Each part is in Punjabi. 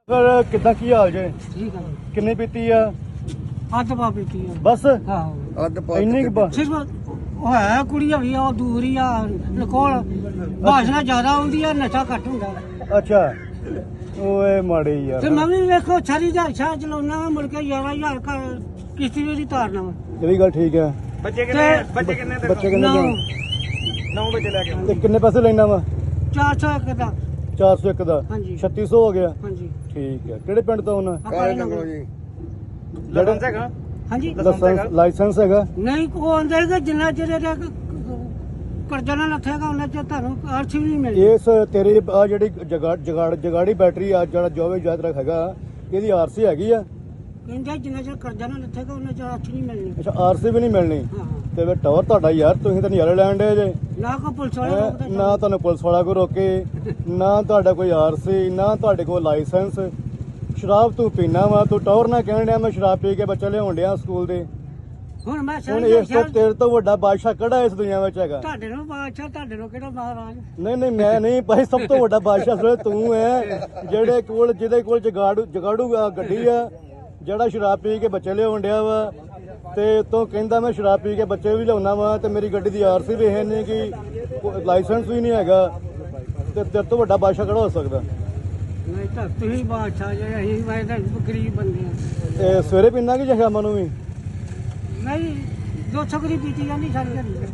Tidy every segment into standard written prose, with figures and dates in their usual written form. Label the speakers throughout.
Speaker 1: ਫਿਰ ਕਿੱਦਾਂ ਕੀ ਹਾਲ ਜੇ?
Speaker 2: ਠੀਕ ਆ
Speaker 1: ਕਿੰਨੀ ਪੀਤੀ ਆ?
Speaker 2: ਅੱਧ ਪਾ ਪੀਤੀ ਆ
Speaker 1: ਬਸ
Speaker 2: ਆਹੋ
Speaker 3: ਅੱਧ ਪਾ
Speaker 1: ਇੰਨੀ ਕੁ
Speaker 2: ਸਿਰਫ ਉਹ ਹੈ ਕੁੜੀ ਵੀ ਆ ਉਹ ਦੂਰ ਹੀ ਆ ਲਕੋਲ ਭਾਸ਼ਾ ਜ਼ਿਆਦਾ ਆਉਂਦੀ ਆ ਨਸ਼ਾ ਘੱਟ ਹੁੰਦਾ
Speaker 1: ਅੱਛਾ ਓਏ ਮਾੜੀ ਯਾਰ।
Speaker 2: ਤੇ ਮੈਂ ਵੀ ਵੇਖੋ ਛਰੀ ਦਾ ਛਾ ਚਲਾਉਣਾ ਵਾ ਮੁੜ ਕੇ 11,000 ਕਿਸ਼ਤੀ ਵੀ ਦੀ ਤਾਰਨਾ ਵਾ
Speaker 1: ਇਹ ਵੀ ਗੱਲ ਠੀਕ ਹੈ।
Speaker 3: ਬੱਚੇ
Speaker 2: ਤੇ
Speaker 3: ਕਿੰਨੇ
Speaker 1: ਬੱਚੇ ਕਿੰਨੇ
Speaker 2: ਨੌ
Speaker 1: ਜਾਣ?
Speaker 3: 9 ਵਜੇ ਲੈ ਕੇ
Speaker 1: ਤੇ ਕਿੰਨੇ ਪੈਸੇ ਲੈਣਾ ਵਾ?
Speaker 2: 401 ਦਾ
Speaker 1: 401 ਦਾ
Speaker 2: ਹਾਂਜੀ
Speaker 1: 3600 ਹੋ ਗਿਆ।
Speaker 2: ਹਾਂਜੀ
Speaker 1: ਠੀਕ ਹੈ। ਕਿਹੜੇ ਪਿੰਡ ਤੋਂ ਆਉਣਾ?
Speaker 2: ਕਾਲੇ ਨੰਗਲ
Speaker 3: ਜੀ
Speaker 1: ਜਿਹੜਾ
Speaker 3: ਹੈਗਾ
Speaker 2: ਹਾਂਜੀ
Speaker 1: ਲਾਇਸੈਂਸ ਹੈਗਾ?
Speaker 2: ਨਹੀਂ ਕੋ ਆਉਂਦੇ ਕਿ ਜਿੰਨਾ ਚਿਰ ਇਹਦਾ ਕਰਜ਼ਾ ਨਾ ਲੱਥੇਗਾ ਉਹਨਾਂ ਚ ਤੁਹਾਨੂੰ ਅਰਥ ਵੀ ਨਹੀਂ ਮਿਲਦੀ
Speaker 1: ਇਸ ਤੇਰੀ ਆ ਜਿਹੜੀ ਜਗਾੜੀ ਬੈਟਰੀ ਆ ਜਿਹੜਾ ਜੋਵੇ ਯਾਤਰਾ ਹੈਗਾ ਇਹਦੀ ਆਰਸੀ ਹੈਗੀ ਆ?
Speaker 2: ਕਹਿੰਦੇ ਜਿੰਨਾ ਚਿਰ ਕਰਜ਼ਾ ਨਾ ਲੱਥੇਗਾ ਉਹਨਾਂ ਚ ਅਰਥ ਨਹੀਂ ਮਿਲਣੀ
Speaker 1: ਅੱਛਾ ਆਰਸੀ ਵੀ ਨਹੀਂ ਮਿਲਣੀ।
Speaker 2: ਹਾਂ
Speaker 1: ਤੇ ਫਿਰ ਟਾਵਰ ਤੁਹਾਡਾ ਯਾਰ ਤੁਸੀਂ ਤਾਂ ਨਜ਼ਾਰੇ ਲੈਣ ਦੇ ਜੇ।
Speaker 2: ਨਾ ਕੋ ਪੁਲਿਸ ਵਾਲੇ
Speaker 1: ਹੈਂ?
Speaker 2: ਰੋਕਦੇ
Speaker 1: ਨਾ ਤੁਹਾਨੂੰ ਪੁਲਿਸ ਵਾਲਾ ਕੋਈ ਰੋਕੇ, ਨਾ ਤੁਹਾਡਾ ਕੋਈ ਆਰਸੀ, ਨਾ ਤੁਹਾਡੇ ਕੋਲ ਲਾਇਸੈਂਸ। ਸ਼ਰਾਬ ਤੂੰ ਪੀਣਾ ਵਾ, ਤੂੰ ਟੌਰ ਨਾ ਕਹਿਣ ਡਿਆ ਮੈਂ ਸ਼ਰਾਬ ਪੀ ਕੇ ਬੱਚੇ ਲਿਆਉਣ ਡਿਆ ਸਕੂਲ ਦੇ।
Speaker 2: ਹੁਣ ਮੈਂ
Speaker 1: ਹੁਣ ਇਸ ਤੋਂ ਤੇਰੇ ਤੋਂ ਵੱਡਾ ਬਾਦਸ਼ਾਹ ਕਿਹੜਾ ਇਸ ਦੁਨੀਆ ਵਿੱਚ ਹੈਗਾ?
Speaker 2: ਤੁਹਾਡੇ ਨੂੰ ਬਾਦਸ਼ਾਹ ਤੁਹਾਡੇ ਨੂੰ ਕਿਹੜਾ ਮਹਾਰਾਜ
Speaker 1: ਨਹੀਂ ਨਹੀਂ ਮੈਂ ਨਹੀਂ ਭਾਈ, ਸਭ ਤੋਂ ਵੱਡਾ ਬਾਦਸ਼ਾਹ ਸਿਰਫ ਤੂੰ ਹੈ ਜਿਹਦੇ ਕੋਲ ਜਗਾੜੂ ਗੱਡੀ ਆ, ਜਿਹੜਾ ਸ਼ਰਾਬ ਪੀ ਕੇ ਬੱਚੇ ਲਿਆਉਣ ਡਿਆ ਵਾ। ਤੇ ਤੂੰ ਕਹਿੰਦਾ ਮੈਂ ਸ਼ਰਾਬ ਪੀ ਕੇ ਬੱਚੇ ਵੀ ਲਿਆਉਣਾ ਵਾ ਤੇ ਮੇਰੀ ਗੱਡੀ ਦੀ ਆਰਸੀ ਵੀ ਹੈ ਨਹੀਂ, ਕਿ ਲਾਇਸੈਂਸ ਵੀ ਨਹੀਂ ਹੈਗਾ। ਤੇ ਤੇਰੇ ਤੋਂ ਵੱਡਾ ਬਾਦਸ਼ਾਹ ਕਿਹੜਾ ਹੋ ਸਕਦਾ?
Speaker 2: ਨਹੀਂ ਤਾਂ ਤੁਸੀਂ ਬਾਦਸ਼ਾਹ ਜੇ ਅਸੀਂ ਮੈਂ ਤਾਂ ਗਰੀਬ ਬੰਦੇ ਆ
Speaker 1: ਤੇ ਸਵੇਰੇ ਪੀਣਾ ਕਿ ਜਾਂ ਸ਼ਾਮਾਂ ਨੂੰ ਵੀ?
Speaker 2: ਨਹੀਂ 200 ਗਰੀ ਪੀਤੀ ਜਾਂਦੀ ਸਾਰੀ ਦਿਹਾੜੀ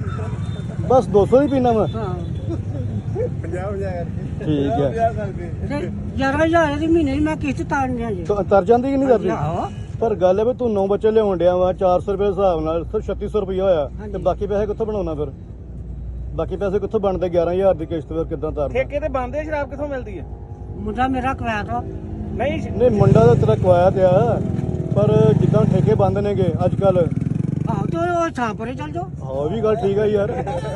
Speaker 1: ਬਸ 200 ਹੀ ਪੀਣਾ ਵਾ?
Speaker 2: ਹਾਂ
Speaker 3: 50,000
Speaker 1: ਠੀਕ ਹੈ।
Speaker 2: ਤੇ 11,000 ਦੀ ਮਹੀਨੇ ਦੀ ਮੈਂ ਕਿਸ਼ਤ ਤਾਰਨ ਡਿਆ ਜੀ
Speaker 1: ਤਰ ਜਾਂਦੀ ਕਿ ਨਹੀਂ ਤਰਦੀ?
Speaker 2: ਆਹੋ
Speaker 1: ਪਰ ਗੱਲ ਹੈ ਵੀ ਤੂੰ 9 ਬੱਚੇ ਲਿਆਉਣ ਡਿਆ ਵਾ, 400 ਰੁਪਏ ਹਿਸਾਬ ਨਾਲ ਸਿਰਫ 3600 ਰੁਪਇਆ ਹੋਇਆ।
Speaker 2: ਹਾਂਜੀ।
Speaker 1: ਤੇ ਬਾਕੀ ਪੈਸੇ ਕਿੱਥੋਂ ਬਣਾਉਣਾ ਫਿਰ? ਬਾਕੀ ਪੈਸੇ ਕਿੱਥੋਂ ਬਣਦੇ? 11,000 ਦੀ ਕਿਸ਼ਤ ਫਿਰ ਕਿੱਦਾਂ ਤਾਰਦਾ?
Speaker 3: ਠੇਕੇ ਤੇ ਬੰਦੇ ਸ਼ਰਾਬ ਕਿੱਥੋਂ ਮਿਲਦੀ ਹੈ?
Speaker 2: ਮੁੰਡਾ ਮੇਰਾ ਕਵਾਇਆ ਤਾ
Speaker 3: ਨਹੀਂ
Speaker 1: ਨਹੀਂ ਮੁੰਡਾ ਤਾਂ ਤੇਰਾ ਕਵਾਇਆ ਤੇ ਆ, ਪਰ ਜਿੱਦਾਂ ਠੇਕੇ ਬੰਦ ਨੇਗੇ ਅੱਜ ਕੱਲ।
Speaker 2: ਆਹੋ ਤੇ ਉਹ ਛਾਂਪਰੇ ਚੱਲ ਜਾਓ
Speaker 1: ਹਾਂ ਵੀ ਗੱਲ ਠੀਕ ਆ ਯਾਰ।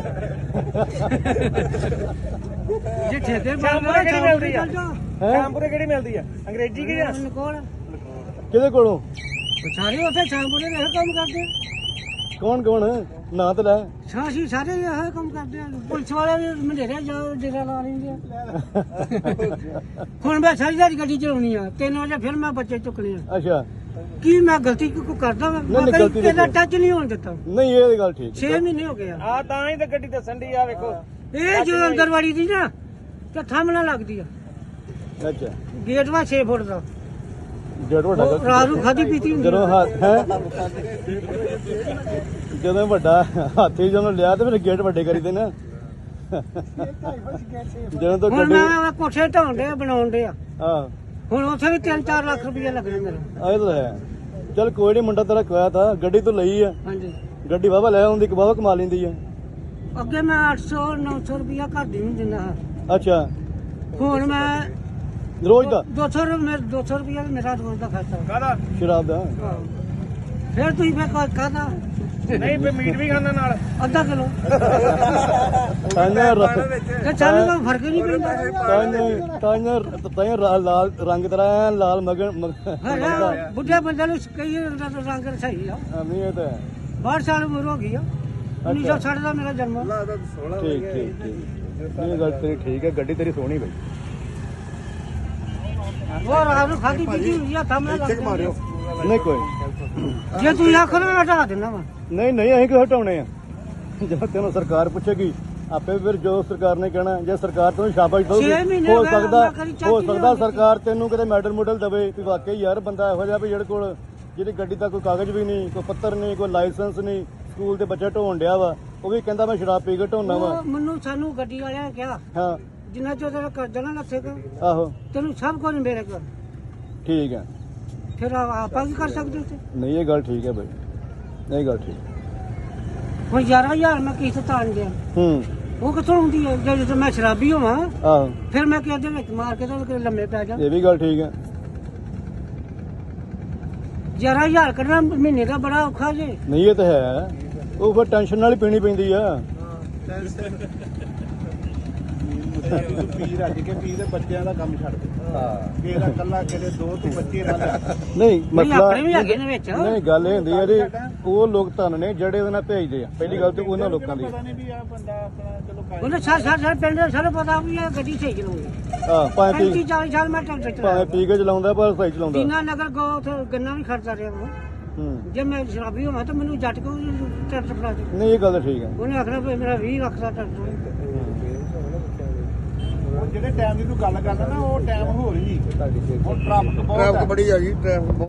Speaker 2: ਜੇ ਠੇਕੇ
Speaker 3: ਸ਼ਾਮਪੁਰੇ ਕਿਹੜੀ ਮਿਲਦੀ ਆ?
Speaker 2: ਚੱਲ ਜਾਓ
Speaker 1: ਹੈਂ?
Speaker 3: ਸ਼ਾਮਪੁਰੇ ਕਿਹੜੀ ਮਿਲਦੀ ਆ? ਅੰਗਰੇਜ਼ੀ ਕੀ ਆ?
Speaker 2: ਕੋਲ
Speaker 1: ਕਿਹਦੇ ਕੋਲੋਂ?
Speaker 2: ਸਾਰੇ ਉੱਥੇ ਛਾਂਪਰੇ ਇਹ ਕੰਮ ਕਰਦੇ ਆ।
Speaker 1: ਕੌਣ ਨਾਂ ਤਾਂ ਲੈ।
Speaker 2: ਸਾਸੀ ਸਾਰੇ ਇਹ ਕੰਮ ਕਰਦੇ ਆ। ਪੁਲਿਸ ਵਾਲੇ ਵੀ ਮੰਡੇਰੇ ਜਾਓ ਡੇਰਾ ਲਾ ਲੈਂਦੇ ਆ। ਹੁਣ ਮੈਂ ਸਾਰੀ ਦਿਹਾੜੀ ਗੱਡੀ ਚਲਾਉਣੀ ਆ 3 ਵਜੇ ਫਿਰ ਮੈਂ ਬੱਚੇ ਚੁੱਕਣੇ ਆ।
Speaker 1: ਅੱਛਾ
Speaker 2: ਕੀ ਮੈਂ ਗਲਤੀ ਕੋਈ ਕਰਦਾ ਵਾ?
Speaker 1: ਨਹੀਂ,
Speaker 2: ਮੈਂ
Speaker 1: ਗਲਤੀ
Speaker 2: ਕਦੀ
Speaker 1: ਨਹੀਂ
Speaker 2: ਟੱਚ ਨਹੀਂ ਹੋਣ ਦਿੱਤਾ।
Speaker 1: ਨਹੀਂ ਇਹ ਦੀ ਗੱਲ ਠੀਕ
Speaker 2: 6 ਮਹੀਨੇ ਹੋ ਗਏ ਆ
Speaker 3: ਆ ਤਾਂ ਹੀ ਤਾਂ ਗੱਡੀ ਦੱਸਣ ਦੀ ਆ ਵੇਖੋ।
Speaker 2: ਇਹ ਜਦੋਂ ਅੰਦਰ ਵਾੜੀ ਦੀ ਨਾ ਤੇ ਥੰਮਣਾ ਲੱਗਦੀ ਆ।
Speaker 1: ਅੱਛਾ
Speaker 2: ਗੇਟ ਵਾ 6 ਫੁੱਟ ਦਾ
Speaker 1: ਜੜ ਵੱਡਾ
Speaker 2: ਉਹ ਰਾਤ ਨੂੰ ਖਾਦੀ ਪੀਤੀ ਹੁੰਦੀ
Speaker 1: ਜਦੋਂ ਜਦੋਂ ਵੱਡਾ ਹਾਥੀ ਜਦੋਂ ਲਿਆ ਤੇ ਫਿਰ ਗੇਟ ਵੱਡੇ ਕਰੀਦੇ ਨਾ। ਜਦੋਂ ਤੋਂ
Speaker 2: ਹੁਣ
Speaker 1: ਗੱਡੀ
Speaker 2: ਮੈਂ ਕੋਠੇ ਢਾਉਣ ਦੇ ਬਣਾਉਣ ਦੇ ਆ।
Speaker 1: ਹਾਂ
Speaker 2: ਹੁਣ ਉੱਥੇ ਵੀ 3-4 ਲੱਖ ਰੁਪਏ ਲੱਗਣੇ ਮੇਰੇ।
Speaker 1: ਆਏ ਤਾਂ ਹੈ। ਚੱਲ ਕੋਈ ਨਹੀਂ, ਮੁੰਡਾ ਤੇਰਾ ਕਵਾਇਆ ਤਾਂ ਗੱਡੀ ਤੋਂ ਲਈ ਆ,
Speaker 2: ਹਾਂਜੀ
Speaker 1: ਗੱਡੀ ਵਾਵਾ ਲੈ ਆਉਂਦੀ ਕਿ ਵਾਵਾ ਕਮਾ ਲੈਂਦੀ ਆ।
Speaker 2: ਅੱਗੇ ਮੈਂ 800-900 ਰੁਪਇਆ ਘਰ ਦੀ ਨੂੰ ਦਿੰਦਾ ਹਾਂ।
Speaker 1: ਅੱਛਾ
Speaker 2: ਹੁਣ ਮੈਂ
Speaker 1: ਰੋਜ਼ ਦਾ
Speaker 2: 200 ਰੁਪਇਆ ਮੇਰਾ ਰੋਜ਼ ਦਾ ਖਰਚਾ
Speaker 3: ਕਾਹਦਾ?
Speaker 1: ਸ਼ਰਾਬ ਦਾ?
Speaker 2: ਫਿਰ ਤੁਸੀਂ ਫੇਰ ਕਾਹਦਾ
Speaker 3: ਨਹੀਂ ਫੇ ਮੀਟ ਵੀ ਖਾਣਾ ਨਾਲ।
Speaker 2: ਅੱਧਾ ਕਿਲੋ ਤੇ ਸਾਨੂੰ ਕੋਈ ਫਰਕ ਹੀ ਨਹੀਂ ਪੈਂਦਾ।
Speaker 1: ਤਾਂਿਓ ਲਾਲ ਰੰਗ ਤੇਰਾ ਐਨ ਲਾਲ ਮਗਨ
Speaker 2: ਹਾਂ ਬੁੱਢੇ ਬੰਦੇ ਨੂੰ ਕਈ ਰੰਗ ਸਹੀ ਆ।
Speaker 1: ਨਹੀਂ ਇਹ ਤਾਂ ਹੈ।
Speaker 2: 62 ਸਾਲ ਉਮਰ ਹੋ ਗਈ ਆ। 1960 ਦਾ ਮੇਰਾ ਜਨਮ ਆ।
Speaker 1: ਠੀਕ ਠੀਕ ਠੀਕ। ਇਹ ਗੱਲ ਤੇਰੀ ਠੀਕ ਹੈ, ਗੱਡੀ ਤੇਰੀ ਸੋਹਣੀ ਬਈ।
Speaker 2: ਉਹ ਰਾਤ ਨੂੰ ਖਾਦੀ ਪੀਤੀ ਹੁੰਦੀ ਆ ਥੰਮਣਾ ਲੱਗਦਾ।
Speaker 1: ਨਹੀਂ ਕੋਈ ਨੀ।
Speaker 2: ਜੇ ਤੁਸੀਂ ਆਖੋ ਨਾ ਹਟਾ ਦੇਣਾ ਵਾ।
Speaker 1: ਨਹੀਂ ਨਹੀਂ ਅਸੀਂ ਕਿਉਂ ਹਟਾਉਣੇ ਆ? ਜਦੋਂ ਤੈਨੂੰ ਸਰਕਾਰ ਪੁੱਛੇਗੀ ਆਪੇ ਫਿਰ ਜੋ ਸਰਕਾਰ ਨੇ ਕਹਿਣਾ। ਜੇ ਸਰਕਾਰ ਤੈਨੂੰ ਸ਼ਾਬਾਸ਼ ਦਊਗੀ
Speaker 2: 6 ਮਹੀਨੇ
Speaker 1: ਹੋ
Speaker 2: ਹੋ ਗਏ,
Speaker 1: ਸਕਦਾ
Speaker 2: ਮੈਂ ਕਦੀ ਚਾਚੀ ਨਹੀਂ ਹੁੰਦੀ।
Speaker 1: ਸਰਕਾਰ ਤੈਨੂੰ ਕਿਤੇ ਮੈਡਲ ਦਵੇ ਵੀ ਵਾਕਈ ਯਾਰ ਬੰਦਾ ਇਹੋ ਜਿਹਾ ਵੀ ਜਿਹੜੇ ਕੋਲ ਜਿਹਦੀ ਗੱਡੀ ਦਾ ਕੋਈ ਕਾਗਜ਼ ਵੀ ਨਹੀਂ, ਕੋਈ ਪੱਤਰ ਨਹੀਂ, ਕੋਈ ਲਾਇਸੈਂਸ ਨਹੀਂ, ਸਕੂਲ ਦੇ ਬੱਚੇ ਢੋਣ ਡਿਆ ਵਾ, ਉਹ ਵੀ ਕਹਿੰਦਾ ਮੈਂ ਸ਼ਰਾਬ ਪੀ ਕੇ ਢੋਣਾ ਵਾ।
Speaker 2: ਉਹ ਮੈਨੂੰ ਸਾਨੂੰ ਗੱਡੀ ਵਾਲਿਆਂ ਨੇ ਕਿਹਾ
Speaker 1: ਹਾਂ
Speaker 2: ਜਿੰਨਾ ਚਿਰ ਤੇਰਾ ਕਰਜ਼ਾ ਨਾ ਲੱਥੇਗਾ
Speaker 1: ਆਹੋ
Speaker 2: ਤੈਨੂੰ ਸਭ ਕੁਝ ਮੇਰੇ ਕੋਲ।
Speaker 1: ਠੀਕ ਹੈ।
Speaker 2: ਫਿਰ ਆਪਾਂ ਕੀ ਕਰ ਸਕਦੇ ਉੱਥੇ?
Speaker 1: ਨਹੀਂ ਇਹ ਗੱਲ ਠੀਕ ਹੈ ਬਈ, ਇਹ ਗੱਲ ਠੀਕ।
Speaker 2: ਹੁਣ 11,000 ਮੈਂ ਕਿਸ਼ਤ ਤਾਰਨ ਗਿਆ।
Speaker 1: ਹੂੰ
Speaker 2: ਉਹ ਕਿੱਥੋਂ ਹੁੰਦੀ ਹੈ? ਜਦੋਂ ਮੈਂ ਸ਼ਰਾਬੀ ਹੋਵਾਂ
Speaker 1: ਆਹੋ
Speaker 2: ਫਿਰ ਮੈਂ ਕਿਹਦੇ ਵਿੱਚ ਮਾਰ ਕੇ ਤੇ ਲੰਮੇ ਪੈ ਜਾ।
Speaker 1: ਇਹ ਵੀ ਗੱਲ ਠੀਕ ਹੈ।
Speaker 2: 11,000 ਕੱਢਣਾ ਮਹੀਨੇ ਦਾ ਬੜਾ ਔਖਾ ਜੇ।
Speaker 1: ਨਹੀਂ ਇਹ ਤਾਂ ਹੈ, ਉਹ ਫਿਰ ਟੈਨਸ਼ਨ ਨਾਲ ਹੀ ਪੀਣੀ ਪੈਂਦੀ ਆ।
Speaker 4: ਤੂੰ ਪੀ ਰੱਜ ਕੇ ਪੀ ਤੇ ਬੱਚਿਆਂ ਦਾ ਕੰਮ ਛੱਡ ਦੇ ਤੇਰਾ ਕੱਲਾ ਕਿਤੇ 2 ਤੂੰ ਬੱਚੇ ਨਾਲ
Speaker 1: ਨਹੀਂ ਮਸਲਾ
Speaker 2: ਆਪਣੇ ਵੀ ਹੈਗੇ ਨੇ ਵਿੱਚ
Speaker 1: ਨਹੀਂ ਗੱਲ ਇਹ ਹੁੰਦੀ ਹੈ ਜੀ ਉਹ ਲੋਕ ਧਨ ਨੇ ਜਿਹੜੇ ਉਹਦੇ ਨਾਲ ਭੇਜਦੇ ਆ ਪਹਿਲੀ ਗੱਲ ਤੇ ਉਹਨਾਂ ਲੋਕਾਂ ਦੀ
Speaker 4: ਪਤਾ ਨਹੀਂ ਵੀ ਆ ਬੰਦਾ ਆਪਣਾ ਚਲੋ
Speaker 2: ਉਹਨੇ ਸਾਰੇ ਪਿੰਡ ਦੇ ਸਾਰੇ ਪਤਾ ਵੀ ਇਹ ਗੱਡੀ ਸਹੀ ਚਲਾਉਂਦੀ
Speaker 1: ਹਾਂ ਭਾਵੇਂ
Speaker 2: 35 40 ਸਾਲ ਮੈਂ ਟਰੈਕਟਰ
Speaker 1: ਭਾਵੇਂ
Speaker 2: ਚਲਾਇਆ
Speaker 1: ਪੀ ਕੇ ਚਲਾਉਂਦਾ ਪਰ ਸਹੀ ਚਲਾਉਂਦਾ
Speaker 2: ਦੀਨਾ ਨਗਰ ਗੋ ਉੱਥੇ ਗੰਨਾ ਵੀ ਖੜਦਾ ਰਿਹਾ ਉਹ
Speaker 1: ਹੂੰ
Speaker 2: ਜੇ ਮੈਂ ਸ਼ਰਾਬੀ ਹੋਵਾਂ ਤਾਂ ਮੈਨੂੰ ਜੱਟ ਕੋ ਟਰੈਕਟਰ ਫੜਾ ਦੇ
Speaker 1: ਨਹੀਂ ਇਹ ਗੱਲ ਤਾਂ ਠੀਕ ਹੈ
Speaker 2: ਉਹਨੇ ਆਖਣਾ ਵੀ ਮੇਰਾ 20 ਲੱਖ ਦਾ ਟਰੈਕਟਰ
Speaker 4: ਉਹ ਜਿਹੜੇ ਟਾਈਮ ਦੀ ਤੂੰ ਗੱਲ ਕਰਦਾ ਨਾ ਉਹ ਟਾਈਮ ਹੋਰ ਹੀ ਹੁਣ ਟ੍ਰੈਫਿਕ ਬਹੁਤ
Speaker 5: ਟ੍ਰੈਫਿਕ ਬੜੀ ਆ ਜੀ ਟ੍ਰੈਫਿਕ